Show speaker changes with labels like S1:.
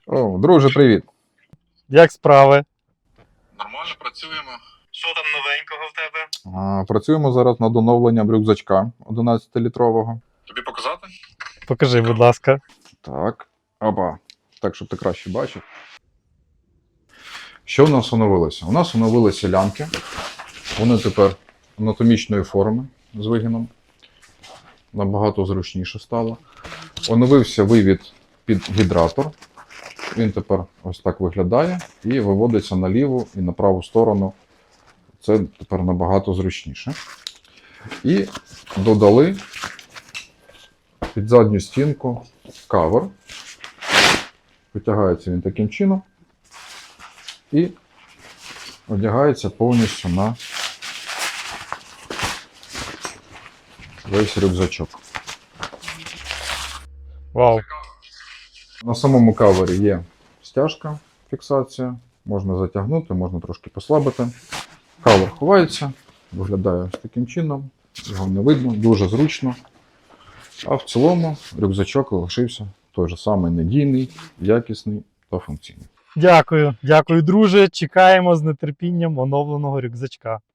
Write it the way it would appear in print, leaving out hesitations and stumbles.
S1: О, друже, привіт.
S2: Як справи?
S3: Нормально працюємо.
S2: Що там новенького в тебе?
S1: Працюємо зараз над оновленням рюкзачка 11-літрового.
S3: Тобі показати?
S2: Покажи, будь ласка.
S1: Так, опа. Так, щоб ти краще бачив. Що в нас оновилося? У нас оновилися лямки. Вони тепер анатомічної форми з вигином. Набагато зручніше стало. Оновився вивід під гідратор. Він тепер ось так виглядає і виводиться на ліву і на праву сторону. Це тепер набагато зручніше. І додали під задню стінку кавер. Витягається він таким чином і одягається повністю на весь рюкзачок.
S2: Вау.
S1: На самому кавері є стяжка, фіксація. Можна затягнути, можна трошки послабити. Кавер ховається, виглядає ось таким чином. Його не видно, дуже зручно. А в цілому рюкзачок лишився той же самий надійний, якісний та функційний.
S2: Дякую, друже. Чекаємо з нетерпінням оновленого рюкзачка.